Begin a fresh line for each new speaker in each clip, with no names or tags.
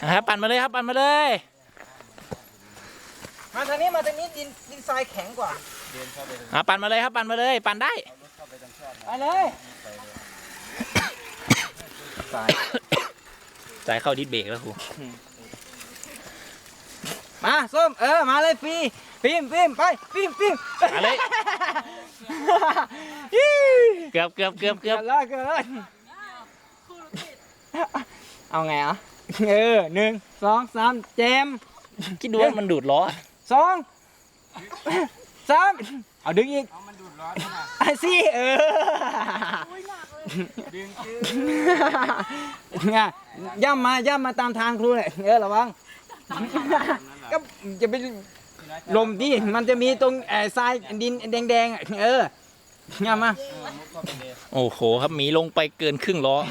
นะครับปั่นมาเลยครับปั่นมาเลย
มาทางนี้ดินทรายแข็งกว่า
ปั่นมาเลยครับปั่นมาเลยปั่นได้
ไปเลย
สายเข้าดิสเบรกแล้วครู
มาส้มมาเลยฟิล์มไปฟิล์ม
มาเลยเกือบ
เกือบเลยเอาไงอ่ะ1 2 3เจม
คิดดูว่ามันดูดล้อ
2 3เอาดึงอีกมันดูดร้อนนะสิดึงย่ำมาตามทางครูเลยระวังก็จะไปลมดิมันจะมีตรงทรายดินแดงย่ำมา
โอ้โหครับหมีลงไปเกินครึ่งล้อ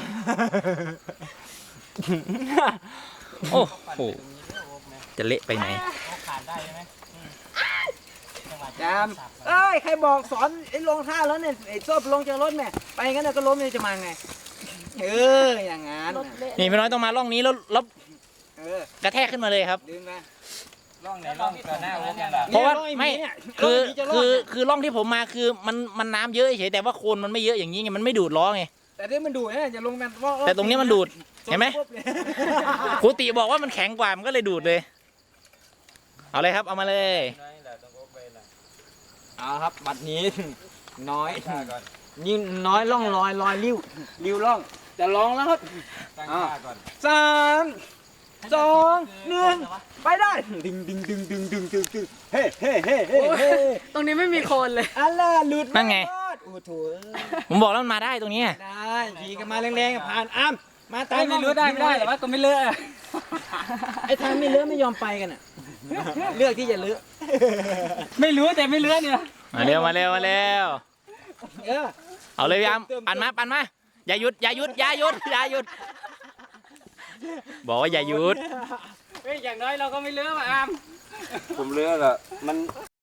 โอ้โหจะเละไปไหน
จามใครบอกสอนลงท่าแล้วเนี่ยชอบลงจากรถแม่ไปงั้นก็ล้มจะมาไงอย่างงั้น
นี่พี่น้อยต้องมาร่องนี้แล้วกระแทกขึ้นมาเลยครับ
ดึงไป
ร่องไหนร่องก่อนหน้าโอ๊กยังล่ะ
เพราะว่าไม่คือร่องที่ผมมาคือมันน้ำเยอะเฉยแต่ว่าโคลนมันไม่เยอะอย่างนี้ไงมันไม่ดูดล้อไง
แต่ที่มันดูดเนี่ยจะลงกัน
แต่ตรงนี้มันดูดเห็นไหมครูติบอกว่ามันแข็งกว่ามันก็เลยดูดเลยเอาเลยครับเอามาเลย
เอาครับบัดนี้น้อยยิ่งน้อยล่องลอยริ้วล่องจะลองแล้วครับ
ตั้งท่าก่อน
3 2 1ไปได้ดึงเฮ้
ตรงนี้ไม่มีโคนเลย
อัลล่ะหลุด
นั่นไง
โอ้โถ
ผมบอกแล้วมันมาได้ตรงนี้
ได้ขี่กันมาแรงๆผ่านอ้ามมาตาย
ไม่รู้ได้ไม่ได้แต่ว่าก็ไม่เลอะ
ไอ้ทางไม่เลือะไม่ยอมไปกันอ่ะเลือกที่จะเลือก
ไม่รู้แต่ไม่เลอะเนี่ย
มาเร็ว
เออ
เอาเลยพี่อามปั่นมาอย่าหยุดบอกว่าอย่าหยุด
เฮ้ยอย่างน้อยเราก็ไม่เลอะว่ะอาม
ผมเลือกอะมัน